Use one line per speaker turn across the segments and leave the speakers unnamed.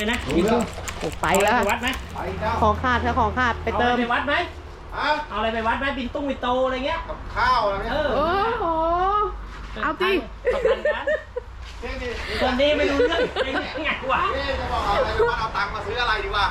นะ
ไปแล้ว
ไปวัดไหม
ของขาดค่ะของขาดไปเติม
ไปวัดไหม
ฮะ
เอาอะไรไปวัดไหมบินตุ้งบินโตอะไรเงี้ย
กับข้าวอะไรเนี่ย
โอ้โหเอาจริง
ประกันกันคนนี้ไม่รู้เรื่องไงวะ
จะบอกเอาอะไรไปวัดเอาตังค์มาซื้ออะไรดีกว่า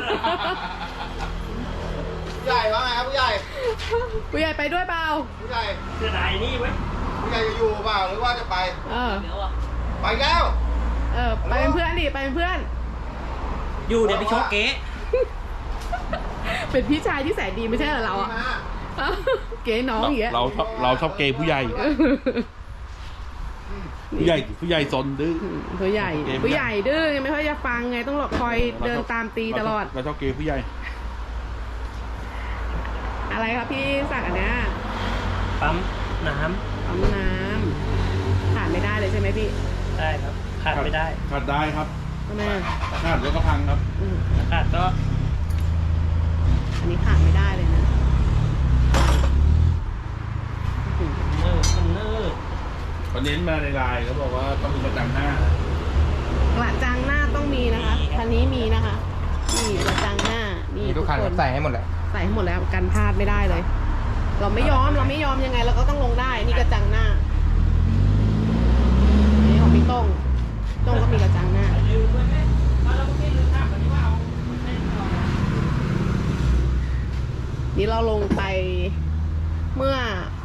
ผู้ใหญ่ว่าไงครับผู้ใหญ่
ผู้ใหญ่ไปด้วยเปล่า
ผู้ใหญ่
เสื้อไหนนี่เว้ย
ผู้ใหญ่จะอยู่เปล่าหรือว่าจะไป
เออ
เดี๋ยวอ่ะ
ไปแล้ว
ไปเป็นเพื่อนดิไปเป็นเพื่อน
อยู่เดี๋ยวไปโชว์เก๊
เป็นพี่ชายที่แสนดีไม่ใช่เหรอเราอ่ะเก๋น้องอย่างเงี้ย
เราชอบเกย์ผู้ใหญ่ ผู้ใหญ่ซนดื้อ
ผู้ใหญ่ดื้อไงไม่ค่อยจะฟังไงต้องคอยเดินตามตีตลอด
เราชอบเกย์ผู้ใหญ่
อะไรครับพี่สั่งอันเนี้ย
ปั๊มน้
ปั๊มน้ำขาดไม่ได้เลยใช่ไหมพี่
ำได้ครับขาดไม่ได้
ขาดได้ครับ
ทำไม
ขาดแล้วก็พังครับ
ขาดก็
อันนี้ขาดไม่ได้เลยนะ
เนิ่ร์
วันนี้มาในไลน์เขาบอกว่าต้องมีประจังหน้าก
ระจังหน้าต้องมีนะคะคันนี้มีนะคะนี่กระจังหน้านี่
ทุกคันใส่ให้หมดแหละ
ใส่ให้หมดแล้วกันพลาดไม่ได้เลย เราไม่ยอมยังไงเราก็ต้องลงได้นี่กระจังหน้านี่ของพี่ต้งก็มีกระจังหน้า
ลืมไว้ไหมเราไม่ลืมทำวันนี้ว่าเอา
นี่เราลงไปเมื่อ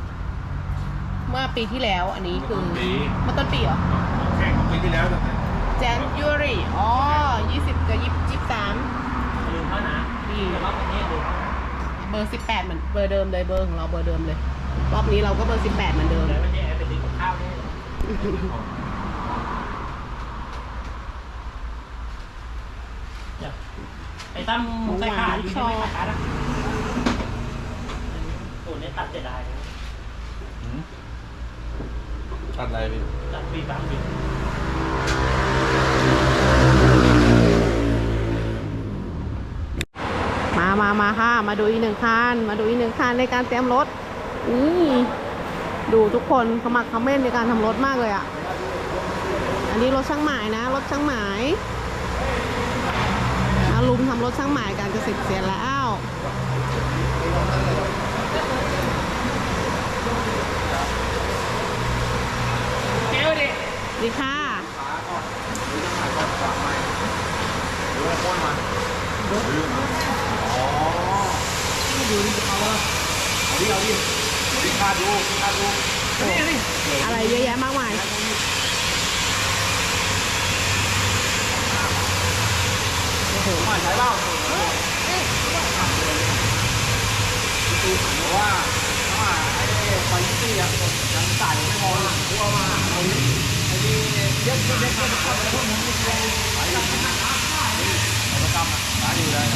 ปีที่แล้วอันนี้คือเมื่อต้นปีเหรอ
แข่งของปีที่แล้วแต่
January อ๋อ20 กับ 23
ลืมเขานะนี่รอบประเทศลืม
เบอร์ 18เหมือนเบอร์เดิมเลยเบอร์ของเราเบอร์เดิมเลยรอบนี้เราก็เบอร์ 18เหมือนเดิม
เลยไม่ใช่ไปซื้อกับข้าวนี่ไอ้ตั้มใส่ขาอยู่ไม่ขาดอ่ะตัวนี้ตัดเสียดาย
ตัดอะไรพี่
ตัดปีปั๊มดิ
มาค่ะมาดูอีกหนึ่งคันในการเตรียมรถนี่ดูทุกคนขมักเขม้นในการทำรถมากเลยอ่ะอันนี้รถช่างหมายนะรถช่างหมายมาลุมทำรถช่างหมายกันจะเสร็จเสียแล้ว
เจ้าดิ
ดีค่ะ อะไรเยอะแยะมากมายโอ้โห
ใช้เปล่าว่าไอ้ไฟตี้อะยังใส่ไม่พอเพราะว่าเราไอ้นี่เย็บก็พวกนี้ไปแล้วก็กำอ่ะหาอยู่ได้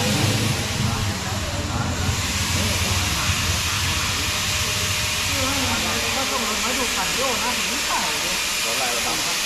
ก็ต้องมาดูขันโยกนะถึงไม่ใส่เลยรถอะไรเราทำครับ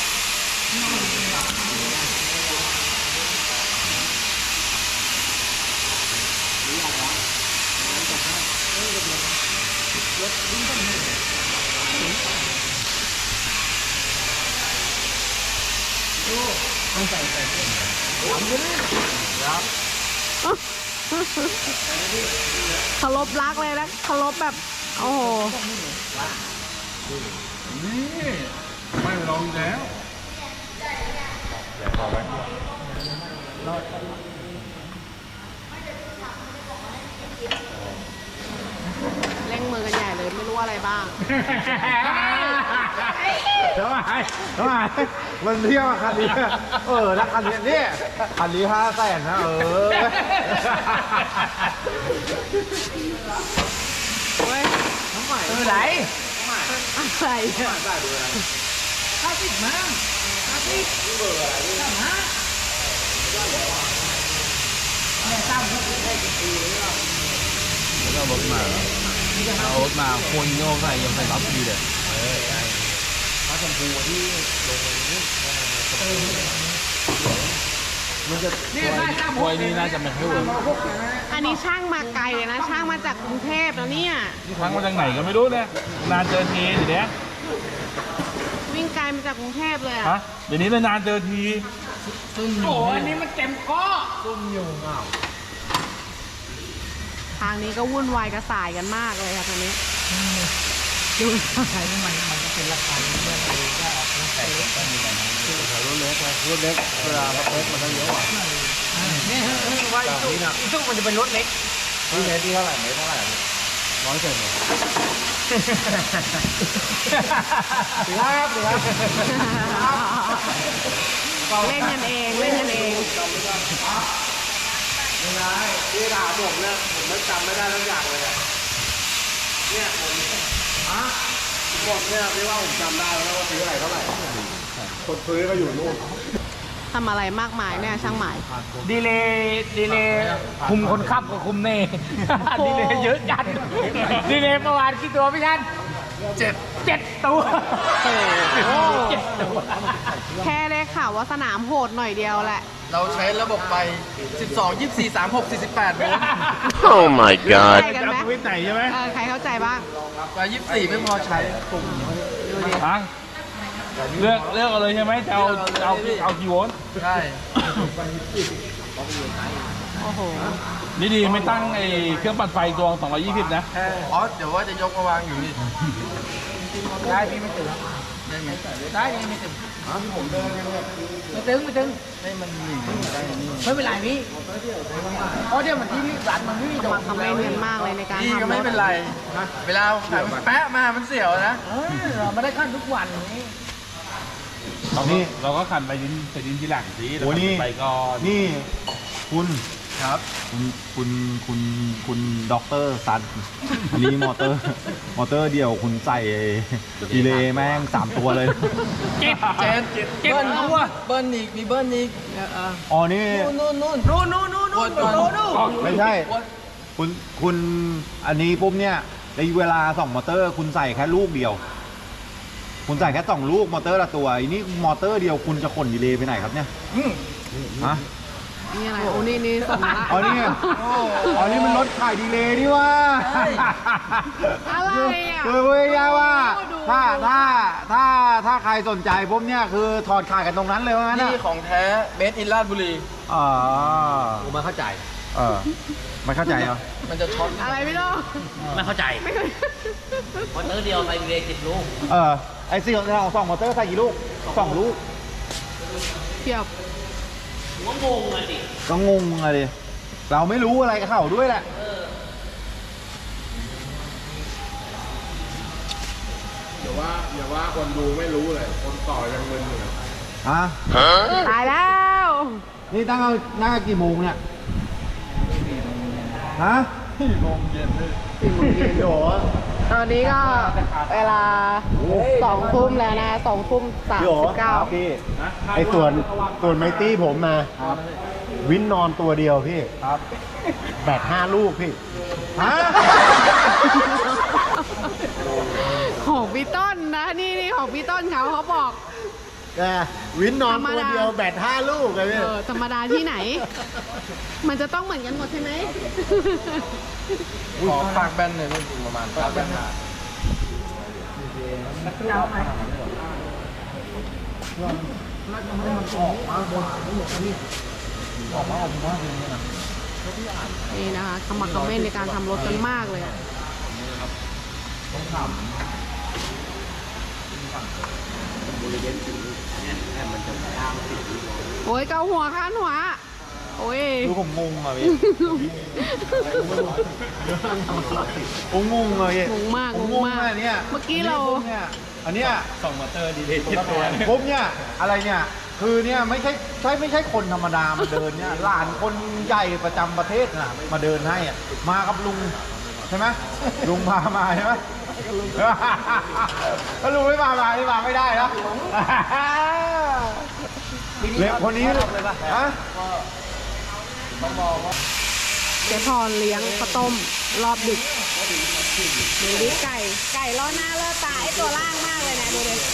เคารพรักเลยนะเคารพแบบโอ้โห
นี่ไม่ลองแล้วพอไหม
เร่งมือกันใหญ่เลยไม่รู้อะไรบ้าง
ทำไมมันเที่ยวคันนี้ถ้าคันนี้เนี่ยคันนี้500,000นะ
เว้ย
ไหน
อะไรเนี่ย
เอารถมาคนโยกใส่ยังใส่รับดีเลยควยนี่น่าจะไม่ค่อยเวิร์ก
อันนี้ช่างมาไกลเลยนะช่างมาจากกรุงเทพแล้วเนี่ย
นี่ทั้งมาจากไหนก็ไม่รู้เนี่ยนานเจอทีเดี๋ยวนี้
วิ่งไกลมาจากกรุงเทพเลย
ฮะ
อ่ะ
เดี๋ยวนี้เลยนานเจอที
โอ้อันนี้มันเต็มก้อ
ซุ่มอยู่เงา
ทางนี้ก็วุ่นวายกระสายกันมากเลยค่ะตอนนี้
ดูใครมันก็เป็นราคาเรื่องอะไรก็ออกมาใส่ก็มีกัน
รถเล็กรถเล็กเวลารถเล็กมันจะเยอะกว่า
นี่ว่าอีซุกมันจะเป็นรถเล็ก
นี่เมตรที่เท่าไหร่เมตรเท่าไหร่100เซนเลยครับ
เล่นกันเองเล่นกันเอง
ไม่ได้ที่ด่าผมเนี่ยผมไม่จำไม่ได้ทุกอย่างเลยเนี่ยผมหมดเนี่ยไม่ว่าผมจำได้แล้วว่าซื้ออะไรเท่าไหร่คนซื้อก็อยู่นู่น
ทำอะไรมากมายเนี่ยช่างหมาย
ดีเลยคุมคนขับกับคุมเน่ ดีเลยเยอะจัดดีเลยเมื่อวานกี่ตัวพี่ชัน7 ตัว
โอ้
7 ตัว
แค่ได้ข่าวว่าสนามโหดหน่อยเดียวแหละ
เราใช้ระบบไป12 24 36 48โวลต์
Oh my
เข้า
god.
ใจกันไหม
วิทไหนใช่ไหม
ใครเข้าใจบ้าง
ไป24ไม่พอใช้ปุ่ม
ดูดิ
ฟังเลือกเอาเลยใช่ไหมจะเอากี่โวลต์
ใช่
โอ้โห
นี่ดีไม่ตั้งไอ้เครื่องปั่นไฟดวง220นะ
อ๋อเดี๋ยวว่าจะยกมาวางอยู่นี่
ได้พี่ไม่ถึง
ได้ไหม
ได้ยังไม่ถึง
ผมเดินยังแบบ
ไม่ถึง
ให้มันหนีได้นี่
ไม่เป็นไรพี่เพราะเดี๋ยวมันที่ร้านมันไม่มี
สมัครคำเล่นกันมากเลยในการ
พี่
ทำ
ก็ไม่เป็นไร เวลาขายมันแปะมามันเสียวนะ
เราไม่ได้ขั้นทุกวันนี้
เราก็ขันไปดินที่หลังสิ
โอ้นี่
ไปก่อน
นี่คุณ
ครับ
คุณด็อกเตอร์ซันอันนี้มอเตอร์เดียวคุณใส่ดีเลย์แม่ง3 ตัวเลย
เจ็ดเบิ้ลตัวเบิ้ลอีกมีเบิ้ลอีก
อ๋อนี่
ปวดก่อน
ไม่ใช่ คุณอันนี้ปุ๊บเนี่ยในเวลา2 มอเตอร์คุณใส่แค่ลูกเดียว คุณใส่แค่2 ลูกมอเตอร์ละตัวอันนี้มอเตอร์เดียวคุณจะขนดีเลย์ไปไหนครับเนี่ยฮะ
นี่อะไร โอ้นี่ส่งมาละ
อ๋อนี่อ๋อนี่มันรถขายดีเลย์นี่ว่า
อะไรอ่ะ
คือพูดง่ายๆว่า
ดู
ถ้าใครสนใจปุ๊บเนี่ยคือถอดขายกันตรงนั้นเลยว่างั้น
นี่
อ่ะ
ของแท้เบสอินราชบุรี
อ๋อ
ผมมาเข้าใจ
ไม่เข้าใจเหรอ
มันจะช็อต
อะไรพี่โต
ไม่เข้าใจ
ไม่เคย
มอเตอร์เดียวไปดีเลย10 ลูก
ไอ้4 ของ2 มอเตอร์ใส่กี่ลูก2 ลูก
เทียบ
ก็งงอะดิเราไม่รู้อะไรกับเขาด้วยแหละ
อย่าว่าคนดูไม่รู้เลย คนต่อยังมึนอยู่
ฮะ
ตายแล้ว
นี่ตั้งนั่งกี่โมงเนี่ยฮะ
4 โมงเย็นโหตอนนี้ก็เวลา2 ทุ่มแล้วนะ2 ทุ่ม 39
พี่ไอ้ส่วนไมตี้ผมมาวินนอนตัวเดียวพี่ครับแบต5 ลูกพี่ฮะ
ของพี่ต้นนะ นี่ของพี่ต้นเขาบอก
วินนอนตัวเดียวแบต5 ลูกเลยพี่
ธรรมดาที่ไหน มันจะต้องเหมือนกันหมดใช่ไหม
ขอปากแบนหน่อยประมาณปากแบน
นี่นะคะขมักเขม้นในการทำรถกันมากเลยอะโอ้ยเกาหัวข้านหัว โอ้ย
ดูผมงงอ่ะพี่ผมงงเลย
งงมาก
ผม
งงมาก
อะเนี่ย
เมื่อกี้เรา
อันเนี้ย
2 มอเตอร์ดีเลย7 ตัว
ผมเนี่ยอะไรเนี่ยคือเนี่ยไม่ใช่คนธรรมดามาเดินเนี่ยหลานคนใหญ่ประจำประเทศน่ะมาเดินให้อ่ะมากับลุงใช่ไหมลุงพามาใช่ไหมถ้าลุงไม่มานี่มาไม่ได้นะเล็กคนนี้ฮะ
เจ๊พรเลี้ยงข้าวต้มรอบดึกดูดิไก่ล้อหน้าเลอตาไอตัวล่างมากเลยนะดูดิ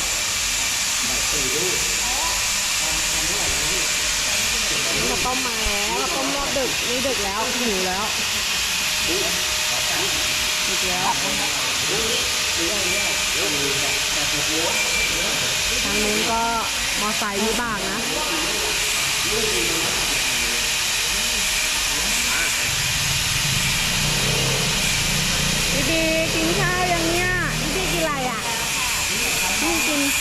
ข้าวต้มมาแล้วข้าวต้มรอบดึกนี่ดึกแล้วหิวแล้วดึกแล้วทางนู้นก็มอไซค์วิบากนะพี่บีกินข้าวยังเนี่ยพี่บีกินอะไรอ่ะพี่กิน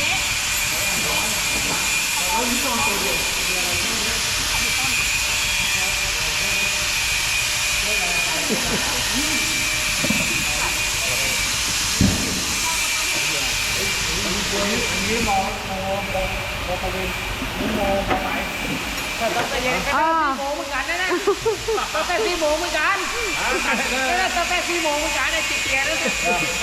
ตั้งแต่เย็นก็ได้4 โมงเหมือนกันนะเนี่ยตั้งแต่4 โมงเหมือนกันตั้งแต่4 โมงเหมือนกันเนี่ยจิตเตียนแล้วเนี่ย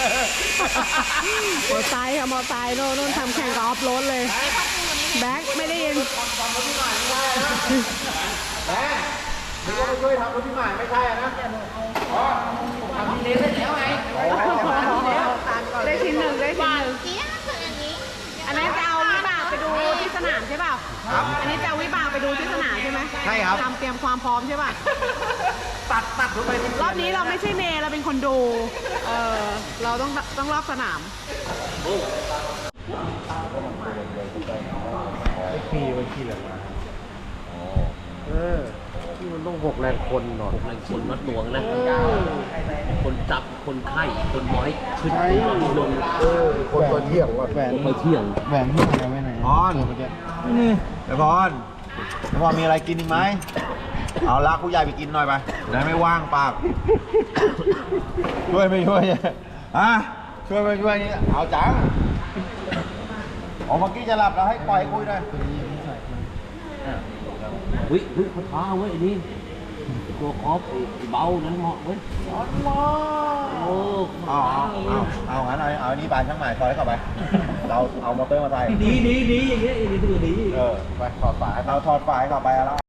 มอไซค์ค่ะมอไซค์โน่นทำแข่งกับออฟโรดเลย แบ็คไม่ได้ยิน
นี่ก็มาช่วยทำรถพี่ใหม่ไม่ใช่นะ
ทำดีเลยเสร็จแล้วไง
ได้ชิ้นหนึ่งได้ชิ้นหนึ่ง
เจี๊ยบคืออันนี้
อันนั้นจะเอาวิบากไปดูที่สนามใช่เปล่า
ครับ
อันนี้จะเอาวิบากไปดูที่สนามใช่ไหม
ใช่ครับ
เตรียมความพร้อมใช่ป่ะ
ตัดรถไป
รอบนี้เราไม่ใช่เมย์เราเป็นคนดู เราต้องรอบสนาม
ที่มันต้อง6 แรงคนหน่อย
แรงคนมัดหน่วงนะ คนจับ คนไข้ คนไว้ขึ้นลง
คนตัวเที่ยงว่าแหวน
คนไปเที่ยง
แหวนที่ไหนไว้ไหน
พรเดี๋ยวพรมีอะไรกินอีกไหม เอาลากผู้ใหญ่ไปกินหน่อยไปได้ไม่ว่างปาก ช่วยไม่ช่วยอ่ะช่วยไม่ช่วยนี่เอาจังเมื่อกี้จะหลับแล้วให้ปล่อยคุยด้วย
เฮ้ยเขาท้าเว้ยไอ้นี่ตัวคอฟไอ้เบานั้นเหมาะเว้ยโอ้
เอางั้นเอาอันนี้บานช่างหมายซอยเข้าไป เราเอามอเตอร์มาใส่
ดีอย่างเงี้ยไอ้นี่ตัวดี
ไปถอดฝาเราถอดฝาเข้าไปแล้ว